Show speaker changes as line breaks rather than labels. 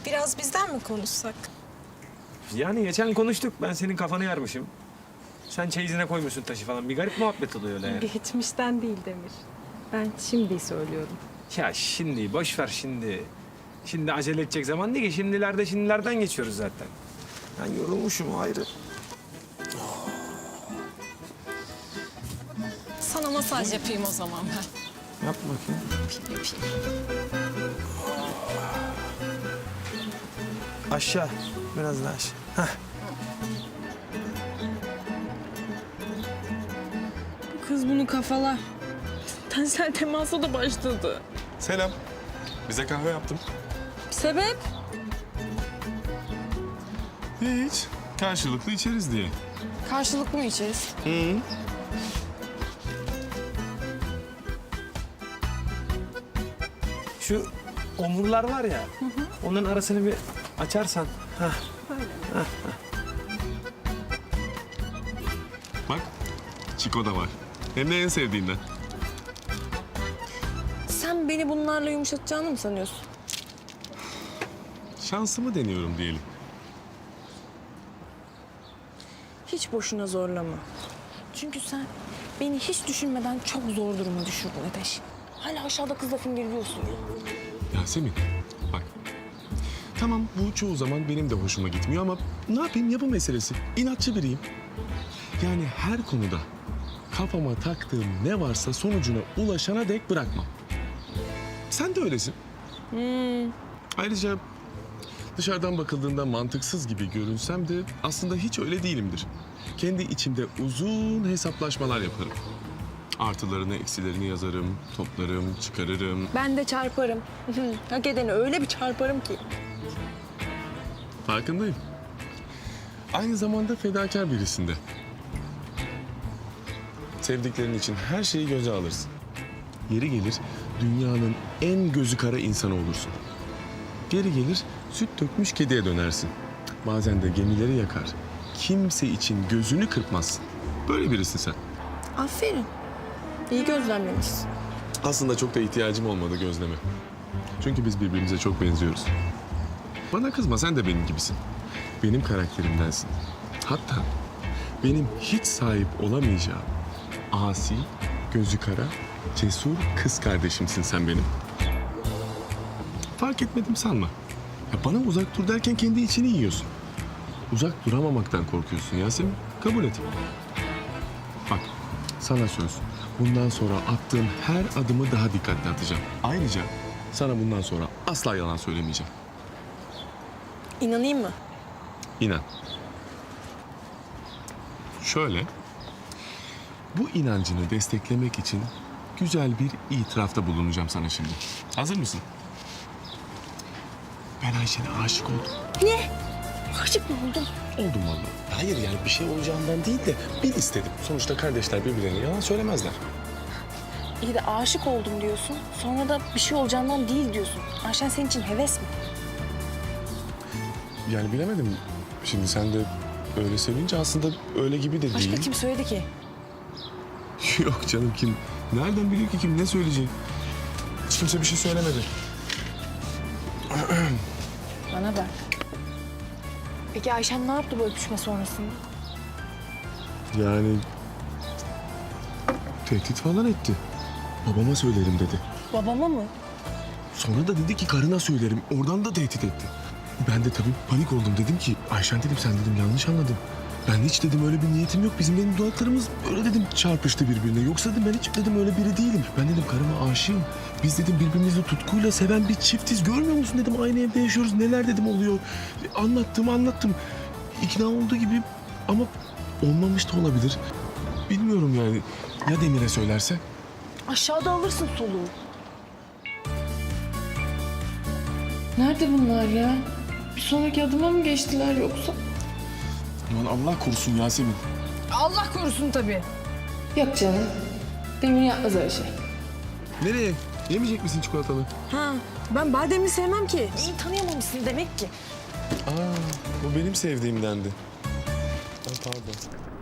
Biraz bizden mi konuşsak?
Yani geçen konuştuk. Ben senin kafanı yarmışım. Sen çeyizine koymuşsun taşı falan. Bir garip muhabbet oluyor öyle yani.
Geçmişten değil Demir. Ben şimdi söylüyorum.
Ya şimdi boş ver şimdi. Şimdi acele edecek zaman değil ki. Şimdilerden geçiyoruz zaten. Ben yorulmuşum ayrı.
Sana masaj yapayım o zaman ben.
Yap bakayım.
Yapayım.
Aşağı. Biraz daha aşağı. Heh.
Kız bunu kafalar. Tensel temasa da başladı.
Selam. Bize kahve yaptım.
Sebep?
Hiç. Karşılıklı içeriz diye.
Karşılıklı mı içeriz?
Şu omurlar var ya. Onların arasını bir açarsan. Heh.
Bak, Çiko da var. Hem de en sevdiğinden.
Sen beni bunlarla yumuşatacağını mı sanıyorsun?
Şansımı deniyorum diyelim.
Hiç boşuna zorlama. Çünkü sen beni hiç düşünmeden çok zor duruma düşürdün Ateş. Hala aşağıda kızla fingirliyorsun ya.
Yasemin, bak. Tamam, bu çoğu zaman benim de hoşuma gitmiyor ama ne yapayım, yapı meselesi. İnatçı biriyim. Yani her konuda kafama taktığım ne varsa sonucuna ulaşana dek bırakmam. Sen de öylesin. Ayrıca dışarıdan bakıldığında mantıksız gibi görünsem de aslında hiç öyle değilimdir. Kendi içimde uzun hesaplaşmalar yaparım. Artılarını, eksilerini yazarım, toplarım, çıkarırım.
Ben de çarparım. Hak edeni öyle bir çarparım ki.
Farkındayım. Aynı zamanda fedakar birisinde. Sevdiklerin için her şeyi göze alırsın. Yeri gelir dünyanın en gözü kara insanı olursun. Geri gelir süt dökmüş kediye dönersin. Bazen de gemileri yakar. Kimse için gözünü kırpmazsın. Böyle birisin sen.
Aferin. İyi gözlemlemişsin.
Aslında çok da ihtiyacım olmadı gözleme. Çünkü biz birbirimize çok benziyoruz. Bana kızma, sen de benim gibisin. Benim karakterimdensin. Hatta benim hiç sahip olamayacağım asi, gözü kara, cesur kız kardeşimsin sen benim. Fark etmedim sanma. Ya bana uzak dur derken kendi içini yiyorsun. Uzak duramamaktan korkuyorsun Yasemin. Kabul et. Bak, sana söz. Bundan sonra attığım her adımı daha dikkatli atacağım. Ayrıca sana bundan sonra asla yalan söylemeyeceğim.
İnanayım mı?
İnan. Şöyle, bu inancını desteklemek için güzel bir itirafta bulunacağım sana şimdi. Hazır mısın? Ben Ayşe'ne aşık oldum.
Ne? Aşık mı oldun?
Oldum vallahi. Hayır yani bir şey olacağından değil de bil istedim. Sonuçta kardeşler birbirlerine yalan söylemezler.
İyi de aşık oldum diyorsun. Sonra da bir şey olacağından değil diyorsun. Ayşen senin için heves mi?
Yani bilemedim. Şimdi sen de öyle söyleyince aslında öyle gibi de değil.
Başka kim söyledi ki?
Yok canım kim? Nereden biliyor ki kim ne söyleyecek? Hiç kimse bir şey söylemedi.
Bana bak. Peki Ayşen ne yaptı bu öpüşme sonrasında?
Yani tehdit falan etti. Babama söylerim dedi.
Babama mı?
Sonra da dedi ki karına söylerim. Oradan da tehdit etti. Ben de tabii panik oldum. Dedim ki Ayşen dedim sen dedim yanlış anladın. Ben hiç dedim öyle bir niyetim yok. Bizim dedim dudaklarımız öyle dedim çarpıştı birbirine. Yoksa dedim ben hiç dedim öyle biri değilim. Ben dedim karıma aşığım. Biz dedim birbirimizi tutkuyla seven bir çiftiz. Görmüyor musun dedim aynı evde yaşıyoruz. Neler dedim oluyor. Anlattım. İkna oldu gibi ama olmamış da olabilir. Bilmiyorum yani. Ya Demir'e söylerse?
Aşağıda alırsın soluğu. Nerede bunlar ya? Bir sonraki adıma mı geçtiler yoksa?
Aman Allah korusun Yasemin.
Allah korusun tabii. Yok canım. Demir yapmaz öyle şey.
Nereye? Yemeyecek misin çikolatalı?
Ha, ben bademli sevmem ki. İyi tanıyamamışsın demek ki.
Aa, bu benim sevdiğimdendi. Aa, pardon.